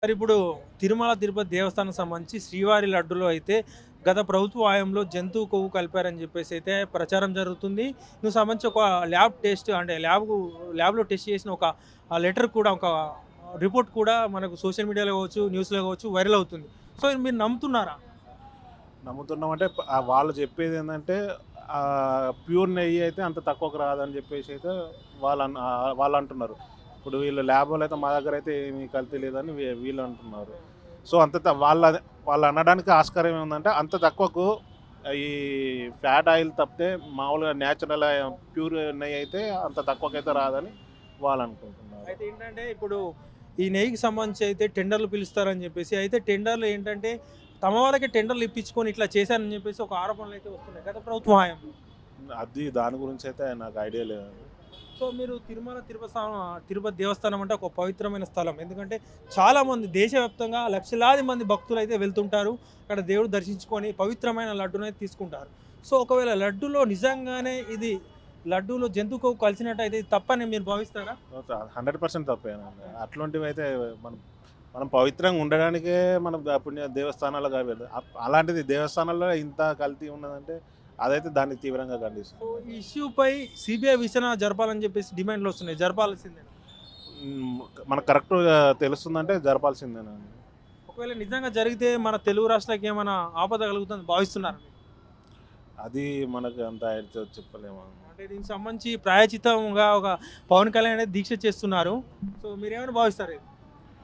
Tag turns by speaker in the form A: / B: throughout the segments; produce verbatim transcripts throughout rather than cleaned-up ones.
A: మరి ఇప్పుడు తిరుమల తిరుపతి దేవస్థానం సంబంధించి శ్రీవారి లడ్డులో అయితే గత ప్రభుత్వ హయాంలో జంతువు కొవ్వు కలిపారని చెప్పేసి అయితే ప్రచారం జరుగుతుంది. నువ్వు సంబంధించి ఒక ల్యాబ్ టెస్ట్ అంటే ల్యాబ్ ల్యాబ్‌లో టెస్ట్ చేసిన ఒక ఆహ్, లెటర్ కూడా ఒక రిపోర్ట్ కూడా మనకు సోషల్ మీడియాలో కావచ్చు, న్యూస్‌లో కావచ్చు వైరల్ అవుతుంది. సో మీరు నమ్ముతున్నారా?
B: నమ్ముతున్నామంటే ప ఆహ్, వాళ్ళు చెప్పేదేందంటే ఆహ్, ప్యూర్ నెయ్యి అయితే అంత తక్కువకి రాదని చెప్పేసి అయితే వాళ్ళన్ ఆహ్, వాళ్ళంటున్నారు. ఇప్పుడు వీళ్ళు ల్యాబోళ్ళైతే మా దగ్గరైతే ఏమి కల్తీ లేదని వీ వీళ్ళు అంటున్నారు. సో, అంత త వాళ్ళ వాళ్ళు అనడానికి ఆస్కారం ఏముందంటే అంత తక్కువకు ఈ ఫ్యాట్ ఆయిల్ తప్పితే మామూలుగా నేచురల్ ప్యూర్ నెయ్యి అయితే అంత తక్కువకైతే రాదని వాళ్ళనుకుంటున్నారు.
A: అయితే ఏంటంటే ఇప్పుడు ఈ నెయ్యికి సంబంధించి అయితే టెండర్‌లు పిలుస్తారని చెప్పేసి అయితే టెండర్‌లు ఏంటంటే తమ వాళ్ళకే టెండర్‌లు ఇప్పించుకొని ఇట్లా చేశారని చెప్పేసి ఒక ఆరోపణలు అయితే వస్తున్నాయి గత ప్రభుత్వ హయాంలో.
B: అది దాని గురించయితే నాకు ఐడియా లేదు.
A: సో మీరు తిరుమల తిరుపతి సా తిరుపతి దేవస్థానం అంటే ఒక పవిత్రమైన స్థలం. ఎందుకంటే చాలామంది దేశవ్యాప్తంగా లక్షలాది మంది భక్తులు అయితే వెళ్తుంటారు. అక్కడ దేవుడు దర్శించుకొని పవిత్రమైన లడ్డూనైతే తీసుకుంటారు. సో ఒకవేళ లడ్డూలో నిజంగానే ఇది లడ్డూలో జంతు కొవ్వు కలిసినట్టయితే ఇది తప్పని మీరు భావిస్తారా?
B: Hundred percent తప్పేనండి. అట్లాంటివైతే మనం మనం పవిత్రంగా ఉండడానికే మనం ద పుణ్య దేవస్థానాలకు అవి వెళ్తాం. అప్ అలాంటిది దేవస్థానాల్లో ఇంత కల్తీ ఉన్నదంటే అదైతే దాన్ని తీవ్రంగా
A: సో
B: ఖండిస్తున్నాం.
A: ఈ ఇష్యూపై సీబీఐ విచారణ జరపాలని చెప్పేసి డిమాండ్లు వస్తున్నాయి. జరపాల్సిందే.
B: హ్మ్. మనకు కరెక్ట్‌గా తెలుస్తుందంటే జరపాల్సిందేనండి.
A: ఒకవేళ నిజంగా జరిగితే మన తెలుగు రాష్ట్రాలకు ఏమైనా ఆపద కలుగుతుందని భావిస్తున్నారా మీరు?
B: అది మనకు అంత ఐడియా చెప్పలేము.
A: అంటే దీనికి సంబంధించి ప్రాయచితంగా ఒక పవన్ కళ్యాణ్ అనేది దీక్ష చేస్తున్నారు. సో మీరేమైనా భావిస్తారు ఇది?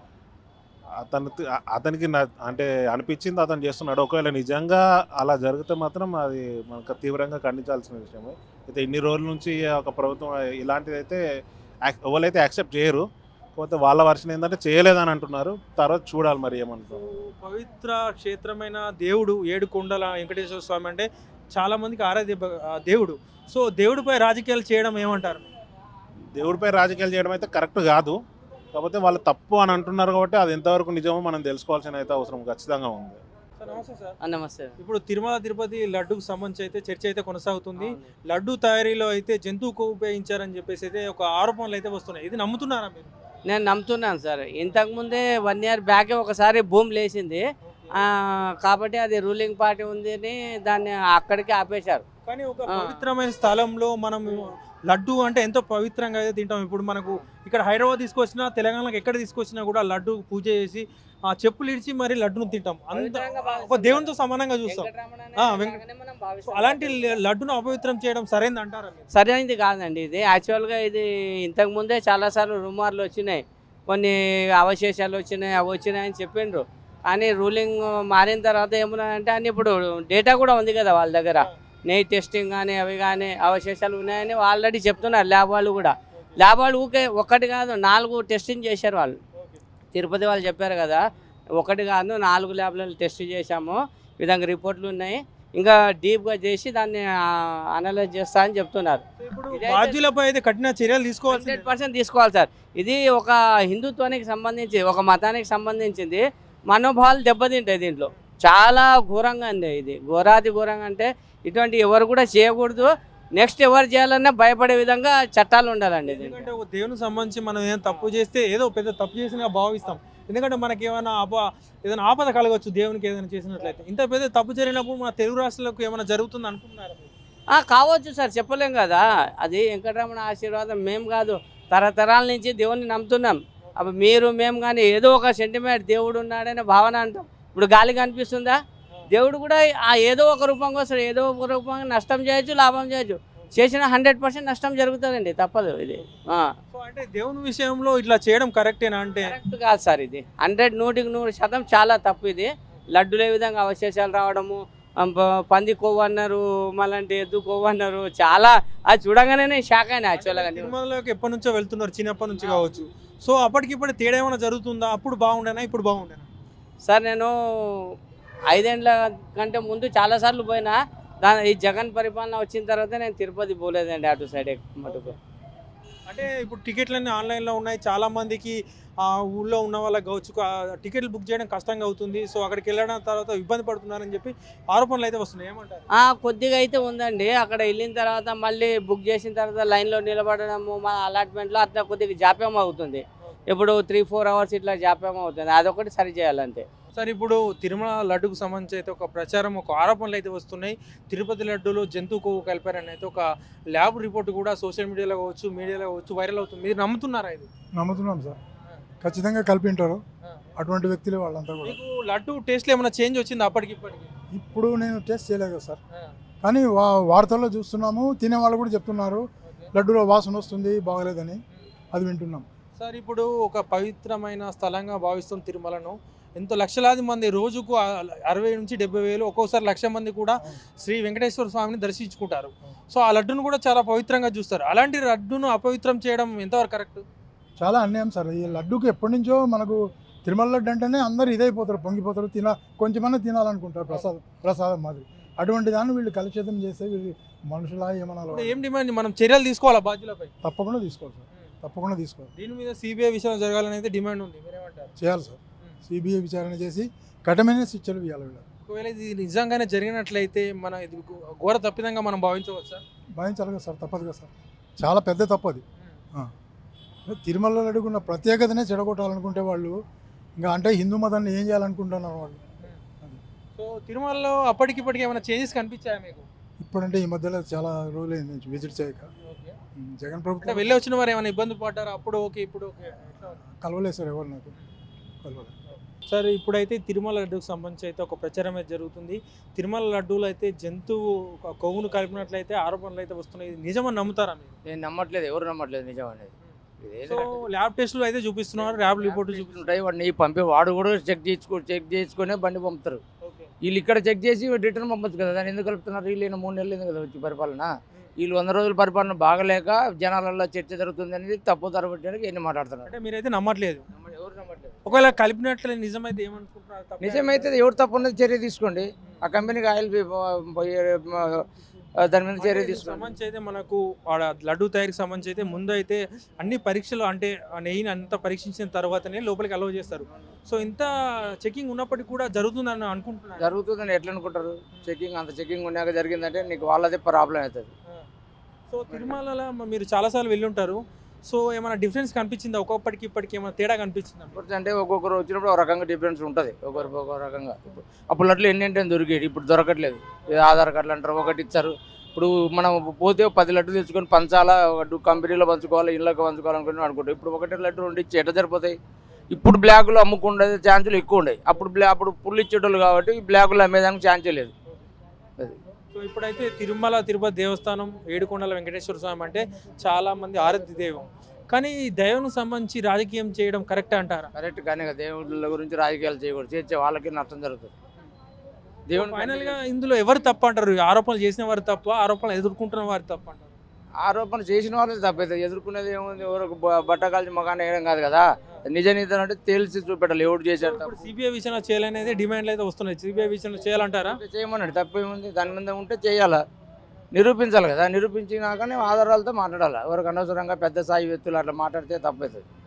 B: అతను తి అ అతనికి న అంటే అనిపించింది అతను చేస్తున్నాడు. ఒకవేళ నిజంగా అలా జరిగితే మాత్రం అది మనకు తీవ్రంగా ఖండించాల్సిన విషయమే. అయితే ఇన్ని రోజుల నుంచి ఒక ప్రభుత్వం ఇలాంటిదైతే యాక్ ఎవరైతే యాక్సెప్ట్ చేయరు. కాకపోతే వాళ్ళ వర్షన్ ఏందంటే చేయలేదని అంటున్నారు. తర్వాత చూడాలి మరి
A: సో
B: ఏమంటారో.
A: పవిత్ర క్షేత్రమైన దేవుడు ఏడుకొండల వెంకటేశ్వర స్వామి అంటే చాలా మందికి ఆరాధ్య భ ఆహ్, దేవుడు. సో దేవుడిపై రాజకీయాలు చేయడం ఏమంటారు?
B: దేవుడిపై రాజకీయాలు చేయడం అయితే కరెక్ట్ కాదు. కాకపోతే వాళ్ళు తప్పు అని అంటున్నారు కాబట్టి అది ఎంతవరకు నిజమో మనం తెలుసుకోవాల్సిన అయితే అవసరం ఖచ్చితంగా ఉంది.
A: సార్ నమస్తే సార్.
C: ఆ! నమస్తే.
A: ఇప్పుడు తిరుమల తిరుపతి లడ్డూకి సంబంధించి అయితే చర్చ అయితే కొనసాగుతుంది.
C: అవును.
A: లడ్డూ తయారీలో అయితే జంతువు కొవ్వు ఉపయోగించారని చెప్పేసి అయితే ఒక ఆరోపణలు అయితే వస్తున్నాయి. ఇది నమ్ముతున్నారా మీరు?
C: నేను నమ్ముతున్నాను సార్. ఇంతకుముందే వన్ ఇయర్ బ్యాకే ఒకసారి భూమి లేచింది. ఆహ్, కాబట్టి అది రూలింగ్ పార్టీ ఉంది అని దాన్ని అక్కడికే ఆపేశారు.
A: కానీ ఒక
C: ఆ.
A: పవిత్రమైన స్థలంలో మనం లడ్డు అంటే ఎంతో పవిత్రంగా అయితే తింటాం. ఇప్పుడు మనకు ఇక్కడ హైదరాబాద్ తీసుకొచ్చినా తెలంగాణకి ఎక్కడ తీసుకొచ్చినా కూడా లడ్డు పూజ చేసి ఆ చెప్పులు ఇడిచి మరి లడ్డును తింటాం. అంత
C: పవిత్రంగా
A: ఒక
C: భావిస్తాం.
A: దేవునితో సమానంగా చూస్తాం.
C: వెంకటరమణ
A: ఆ,
C: అనేది
A: వెంక-
C: లాగానే మనం
A: సో
C: భావిస్తాం.
A: అలాంటి ల- లడ్డును అపవిత్రం చేయడం సరైనది అంటారా మీరు?
C: సరైనది కాదండి ఇది. యాక్చువల్‌గా ఇది ఇంతకుముందే చాలాసార్లు రుమార్లు వచ్చినాయి. కొన్ని అవశేషాలు వచ్చినాయి, అవి వచ్చినాయి అని చెప్పిండ్రు. కానీ రూలింగ్ మారిన తర్వాత ఏమున్నాయంటే అన్ని ఇప్పుడు డేటా కూడా ఉంది కదా వాళ్ళ దగ్గర. నెయ్యి టెస్టింగ్ కానీ అవి కానీ అవశేషాలు ఉన్నాయని ఆల్రెడీ చెప్తున్నారు ల్యాబ్ వాళ్ళు కూడా. ల్యాబ్ వాళ్ళు ఊకే ఒక్కటి కాదు నాలుగు టెస్టింగ్ చేశారు వాళ్ళు. తిరుపతి వాళ్ళు చెప్పారు కదా, ఒకటి కాదు నాలుగు ల్యాబ్లలో టెస్ట్ చేశాము. ఈ విధంగా రిపోర్ట్లు ఉన్నాయి. ఇంకా డీప్‌గా చేసి దాన్ని అనలైజ్ చేస్తా అని చెప్తున్నారు.
A: సో ఇప్పుడు
C: ఇదైతే-
A: బాధ్యులపై అయితే కఠిన చర్యలు తీసుకోవాల్సింది.
C: హండ్రెడ్ పర్సెంట్ తీసుకోవాలి సార్. ఇది ఒక హిందుత్వానికి సంబంధించి ఒక మతానికి సంబంధించింది. మనోభావాలు దెబ్బతింటాయి దీంట్లో. చాలా ఘోరంగా అండి ఇది. ఘోరాతి ఘోరంగా అంటే ఇటువంటి ఎవరు కూడా చేయకూడదు. నెక్స్ట్ ఎవరు చేయాలన్నా భయపడే విధంగా చట్టాలు ఉండాలండి దీంట్లో.
A: ఎందుకంటే ఒక దేవునికి సంబంధించి మనం ఏదైనా తప్పు చేస్తే ఏదో పెద్ద తప్పు చేసినగా భావిస్తాం. ఎందుకంటే మనకి ఏమైనా ఆప ఏదైనా ఆపద కలగవచ్చు దేవునికి ఏదైనా చేసినట్లయితే. ఇంత పెద్ద తప్పు జరిగినప్పుడు మన తెలుగు రాష్ట్రాలకు ఏమైనా జరుగుతుంది అనుకుంటున్నారా మీరు?
C: ఆ, కావచ్చు సార్, చెప్పలేం కదా. అది వెంకటరమణ ఆశీర్వాదం. మేము కాదు తరతరాల నుంచి దేవుణ్ణి నమ్ముతున్నాం. అప్పుడు మీరు మేము కానీ ఏదో ఒక సెంటిమెంట్ దేవుడు ఉన్నాడనే భావన అంటాం. ఇప్పుడు గాలి కనిపిస్తుందా? దేవుడు కూడా ఆ ఏదో ఒక రూపంగా వస్తాడు. ఏదో ఒక రూపంగా నష్టం చేయొచ్చు, లాభం చేయొచ్చు. చేసిన హండ్రెడ్ పర్సెంట్ నష్టం జరుగుతుందండి, తప్పదు ఇది. ఆ.
A: సో అంటే దేవుని విషయంలో ఇట్లా చేయడం కరెక్టేనా అంటే?
C: కరెక్ట్ కాదు సార్ ఇది. హండ్రెడ్ నూటికి నూరు శాతం చాలా తప్పు ఇది. లడ్డులు ఏ విధంగా అవశేషాలు రావడము, ఆ, ప- పంది కొవ్వు అన్నారు, మళ్ళీ ఎద్దు కొవ్వు అన్నారు. చాలా అది చూడగానే షాక్ అయినా యాక్చువల్గా.
A: తిరుమలలోకి ఎప్పటి నుంచో వెళ్తున్నారు, చిన్నప్పటి నుంచి కావచ్చు. సో అప్పటికిప్పుడు తేడా ఏమైనా జరుగుతుందా? అప్పుడు బాగుండేనా, ఇప్పుడు బాగుండేనా?
C: సార్ నేను ఐదేండ్ల కంటే ముందు చాలాసార్లు పోయినా. దాని ఈ జగన్ పరిపాలన వచ్చిన తర్వాత నేను తిరుపతి పోలేదండి అటు సైడ్ మటుకు.
A: అంటే ఇప్పుడు టికెట్లన్నీ ఆన్లైన్లో ఉన్నాయి. చాలా మందికి ఆ ఊళ్ళో ఉన్న వాళ్ళకి కావచ్చు ఆ టికెట్లు బుక్ చేయడం కష్టంగా అవుతుంది. సో అక్కడికి వెళ్ళడం తర్వాత ఇబ్బంది పడుతున్నారని చెప్పి ఆరోపణలు అయితే వస్తున్నాయి. ఏమంటారు?
C: ఆ, కొద్దిగా అయితే ఉందండి. అక్కడ వెళ్ళిన తర్వాత మళ్ళీ బుక్ చేసిన తర్వాత లైన్లో నిలబడడము, మా అలాట్మెంట్లో అట్లా కొద్దిగా జాప్యం అవుతుంది. ఇప్పుడు త్రీ ఫోర్ అవర్స్ ఇట్లా జాప్యం అవుతుంది, అదొకటి సరి చేయాలంతే.
A: సార్ ఇప్పుడు తిరుమల లడ్డుకు సంబంధించి అయితే ఒక ప్రచారం ఒక ఆరోపణలు అయితే వస్తున్నాయి. తిరుపతి లడ్డూలో జంతువు కొవ్వు కలిపారని అయితే ఒక ల్యాబ్ రిపోర్ట్ కూడా సోషల్ మీడియాలో కావచ్చు మీడియాలో కావచ్చు వైరల్ అవుతుంది. మీరు నమ్ముతున్నారా ఇది?
D: నమ్ముతున్నాం సార్, ఖచ్చితంగా కలిపి ఉంటారు అటువంటి వ్యక్తులు వాళ్ళంతా కూడా.
A: మీకు లడ్డు టేస్ట్లో ఏమైనా చేంజ్ వచ్చింది అప్పటికి ఇప్పటికి?
D: ఇప్పుడు నేను టేస్ట్ చేయలేదు కదా సార్, కానీ వా వార్తల్లో చూస్తున్నాము, తినే వాళ్ళు కూడా చెప్తున్నారు లడ్డూలో వాసన వస్తుంది బాగలేదని, అది వింటున్నాం.
A: సార్ ఇప్పుడు ఒక పవిత్రమైన స్థలంగా భావిస్తున్న తిరుమలను ఎంతో లక్షలాది మంది రోజుకు అరవై నుంచి డెబ్బై వేలు ఒక్కోసారి లక్ష మంది కూడా శ్రీ వెంకటేశ్వర స్వామిని దర్శించుకుంటారు. సో ఆ లడ్డును కూడా చాలా పవిత్రంగా చూస్తారు. అలాంటి లడ్డును అపవిత్రం చేయడం ఎంతవరకు కరెక్ట్?
D: చాలా అన్యాయం సార్. ఈ లడ్డూకి ఎప్పటి నుంచో మనకు తిరుమల లడ్డు అంటేనే అందరు ఇదైపోతారు, పొంగిపోతారు, తిన కొంచెమన్నా తినాలనుకుంటారు ప్రసాదం ప్రసాదం మాదిరి. అటువంటి దాన్ని వీళ్ళు కలుషితం చేస్తే వీళ్ళు మనుషులా ఏమన్నా
A: ఏం డిమాండ్? మనం చర్యలు తీసుకోవాలా బాధ్యులపై?
D: తప్పకుండా తీసుకోవాలి సార్, తప్పకుండా తీసుకోవాలి.
A: దీని మీద సిబిఐ విచారణ జరగాలని అయితే డిమాండ్ ఉంది, మీరేమంటారు?
D: చేయాలి సార్, సిబిఐ విచారణ చేసి కఠినమైన శిక్షలు ఇవ్వాలి వీళ్ళు.
A: ఒకవేళ ఇది నిజంగానే జరిగినట్లయితే మన ఇది ఘోర తప్పిదంగా మనం భావించవచ్చా?
D: భావించాలి కదా సార్, తప్పదు కదా సార్, చాలా పెద్ద తప్పు అది. తిరుమలలో అడుగున్న ప్రత్యేకతనే చెడగొట్టాలనుకుంటే వాళ్ళు ఇంకా అంటే హిందూ మతాన్ని ఏం చేయాలనుకుంటున్నారు వాళ్ళు.
A: సో తిరుమలలో అప్పటికిప్పటికి ఏమైనా చేంజెస్ కనిపించాయా మీకు?
D: ఇప్పుడంటే ఈ మధ్యలో చాలా రోజులైంది నుంచి విజిట్ చేయక. జగన్
A: అంటే
D: ప్రభుత్వం
A: వెళ్ళి వచ్చిన వారు ఏమైనా ఇబ్బంది పడ్డారు? అప్పుడు ఓకే, ఇప్పుడు ఓకే.
D: కలవలేదు సార్, ఎవరు నాకు కలవలేదు.
A: సార్ ఇప్పుడైతే తిరుమల లడ్డూకి సంబంధించి అయితే ఒక ప్రచారం అయితే జరుగుతుంది. తిరుమల లడ్డూలు అయితే జంతువు ఒక కొవ్వును కలిపినట్లయితే ఆరోపణలు అయితే వస్తున్నాయి. ఇది నిజమని నమ్ముతారా మీరు?
C: నేను నమ్మట్లేదు, ఎవరు నమ్మట్లేదు నిజం అనేది.
A: సో ల్యాబ్ టెస్టులు అయితే చూపిస్తున్నారు, ల్యాబ్ రిపోర్ట్
C: ఉంటాయి, వాడిని పంపి వాడు కూడా చెక్ చేసుకో చెక్ చేసుకునే బండి పంపుతారు. వీళ్ళు ఇక్కడ చెక్ చేసి రిటర్న్ పంపచ్చు కదా, దాన్ని ఎందుకు కలుపుతున్నారు? వీళ్ళు మూడు నెలలు కదా వచ్చి పరిపాలన, వీళ్ళు వంద రోజుల పరిపాలన బాగలేక జనాలలో చర్చ జరుగుతుంది అనేది తప్పు తరబట్టడానికి ఎన్ని మాట్లాడుతున్నారు.
A: అంటే మీరైతే నమ్మట్లేదు?
C: ఎవరు నమ్మట్లేదు.
A: ఒకవేళ కలిపినట్లే నిజమైతే ఏమనుకుంటున్నారు?
C: నిజమైతే ఎవరు తప్పు ఉన్నది చర్య తీసుకోండి, ఆ కంపెనీకి ఆయిల్ దాని మీద చర్య తీసుకోండి.
A: సంబంధించి అయితే మనకు ఆడ లడ్డు తయారీకి సంబంధించి అయితే ముందు అయితే అన్ని పరీక్షలు అంటే ఆ నెయ్యిని అంత పరీక్షించిన తర్వాతనే లోపలికి అలౌ చేస్తారు. సో ఇంత చెకింగ్ ఉన్నప్పటికీ కూడా జరుగుతుందని అనుకుంటున్నారు?
C: జరుగుతుందని ఎట్లా అనుకుంటారు? చెకింగ్ అంత చెకింగ్ ఉన్నాక జరిగిందంటే నీకు వాళ్ళదే ప్రాబ్లం అవుతుంది.
A: సో తిరుమలలో మీరు చాలాసార్లు వెళ్ళి ఉంటారు. సో ఏమైనా డిఫరెన్స్ కనిపించిందా? ఒక్కొక్కటికి ఇప్పటికి ఏమైనా తేడా కనిపించిందా?
C: అంటే ఒక్కొక్కరు వచ్చినప్పుడు ఒక రకంగా డిఫరెన్స్ ఉంటుంది, ఒకరికి ఒక రకంగా. అప్పుడు అట్లా ఎన్ని అంటే దొరికేది, ఇప్పుడు దొరకట్లేదు. ఆధార్ కార్డులు అంటారు, ఒకటి ఇచ్చారు. ఇప్పుడు మనం పోతే పది లడ్డు తెచ్చుకొని పంచాలా, ఒక కంపెనీలో పంచుకోవాలి, ఇళ్ళకి పంచుకోవాలనుకుని అనుకుంటాం. ఇప్పుడు ఒకటి లడ్డు రెండు ఇచ్చి ఎట్లా సరిపోతాయి? ఇప్పుడు బ్లాక్లో అమ్ముకుండే ఛాన్సులు ఎక్కువ ఉన్నాయి. అప్పుడు బ్లా అప్పుడు పుల్లు ఇచ్చేటోళ్ళు కాబట్టి బ్లాక్లో అమ్మేదానికి ఛాన్సే లేదు. అది
A: సో ఇప్పుడైతే తిరుమల తిరుపతి దేవస్థానం ఏడుకొండల వెంకటేశ్వర స్వామి అంటే చాలా మంది ఆరాధ్య దైవం. కానీ ఈ దైవం సంబంధించి రాజకీయం చేయడం కరెక్ట్ అంటారా?
C: కరెక్ట్ కానీ దేవుళ్ళ గురించి రాజకీయాలు చేయకూడదు, చేసే వాళ్ళకి నష్టం జరుగుతుంది.
A: దేవుడు ఫైనల్ గా ఇందులో ఎవరు తప్ప అంటారు? ఆరోపణలు చేసిన వారు తప్ప, ఆరోపణలు ఎదుర్కొంటున్న వారు తప్ప అంటారు?
C: ఆరోపణ చేసిన వాళ్ళే తప్పైతే, ఎదుర్కొనేది ఏముంది? ఎవరికి బట్ట కాల్చి మగాన్ని వేయడం కాదు కదా, నిజ నిజం అంటే తేల్చి చూపెట్టాలి ఎవరు చేశారు.
A: ఇప్పుడు సిబిఐ విచారణ చేయాలనేది డిమాండ్లు అయితే వస్తున్నాయి. సిబిఐ విచారణ చేయాలంటారా?
C: చేయమన్నాడు, తప్పేముంది? దాని మీద ఉంటే చేయాలా, నిరూపించాలి కదా, నిరూపించినాకనే ఆధారాలతో మాట్లాడాలి. ఎవరికి అనవసరంగా పెద్ద స్థాయి వ్యక్తులు అట్లా మాట్లాడితే తప్పవుతుంది.